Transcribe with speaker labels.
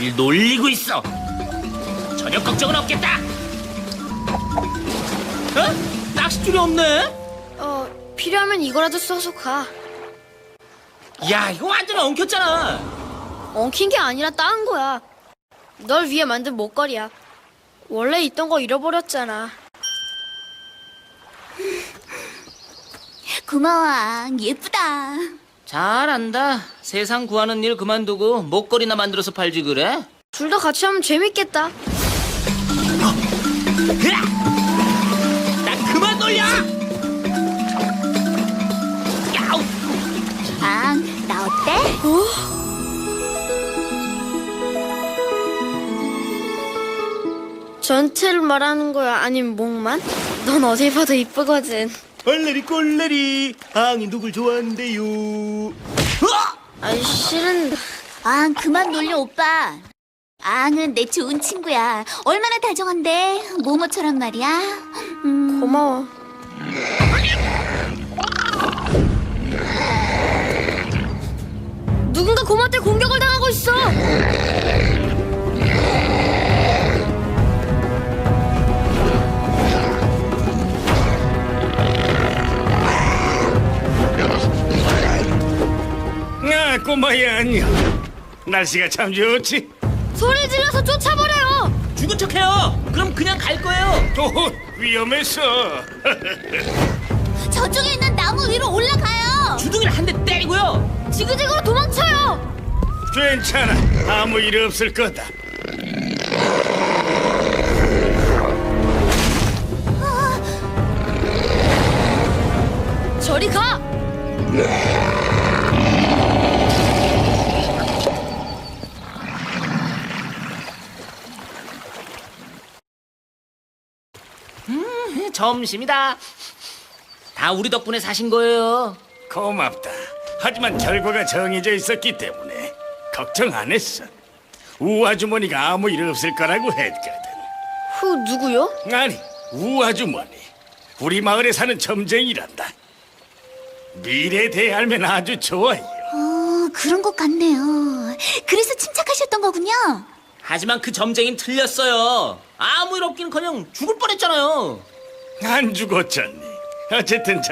Speaker 1: 우릴 놀리고 있어. 전혀 걱정은 없겠다. 어? 낚싯줄이 없네?
Speaker 2: 필요하면 이거라도 써서 가.
Speaker 1: 야, 이거 완전 엉켰잖아.
Speaker 2: 엉킨 게 아니라 따은 거야. 널 위해 만든 목걸이야. 원래 있던 거 잃어버렸잖아.
Speaker 3: 고마워, 앙. 예쁘다.
Speaker 1: 잘한다. 세상 구하는 일 그만두고 목걸이나 만들어서 팔지 그래?
Speaker 2: 둘 다 같이 하면 재밌겠다.
Speaker 1: 으악! 나 그만 놀려! 야우!
Speaker 3: 앙, 나 어때?
Speaker 2: 전체를 말하는 거야? 아니면 목만? 넌 어딜 봐도 이쁘거든.
Speaker 4: 얼레리 꼴레리 앙이 누굴 좋아한대요.
Speaker 2: 아이 실은
Speaker 3: 앙, 그만 놀려, 오빠. 앙은 내 좋은 친구야. 얼마나 다정한데. 모모처럼 말이야.
Speaker 2: 고마워. 누군가 고마한테 공격을 당하고 있어.
Speaker 4: 아, 꼬마야 안녕. 날씨가 참 좋지.
Speaker 2: 소리 질러서 쫓아버려요.
Speaker 1: 죽은 척해요. 그럼 그냥 갈 거예요.
Speaker 4: 또 위험했어.
Speaker 3: 저쪽에 있는 나무 위로 올라가요.
Speaker 1: 주둥이를 한 대 때리고요.
Speaker 2: 지그재그로 도망쳐요.
Speaker 4: 괜찮아. 아무 일 없을 거다.
Speaker 2: 저리 가.
Speaker 1: 점심이다. 다 우리 덕분에 사신 거예요.
Speaker 4: 고맙다. 하지만 결과가 정해져 있었기 때문에 걱정 안 했어. 우 아주머니가 아무 일 없을 거라고 했거든.
Speaker 2: 후 누구요?
Speaker 4: 아니, 우 아주머니. 우리 마을에 사는 점쟁이란다. 미래에 대해 알면 아주 좋아요.
Speaker 3: 그런 것 같네요. 그래서 침착하셨던 거군요.
Speaker 1: 하지만 그 점쟁이는 틀렸어요. 아무 일 없긴커녕 죽을 뻔했잖아요.
Speaker 4: 안 죽었잖니. 어쨌든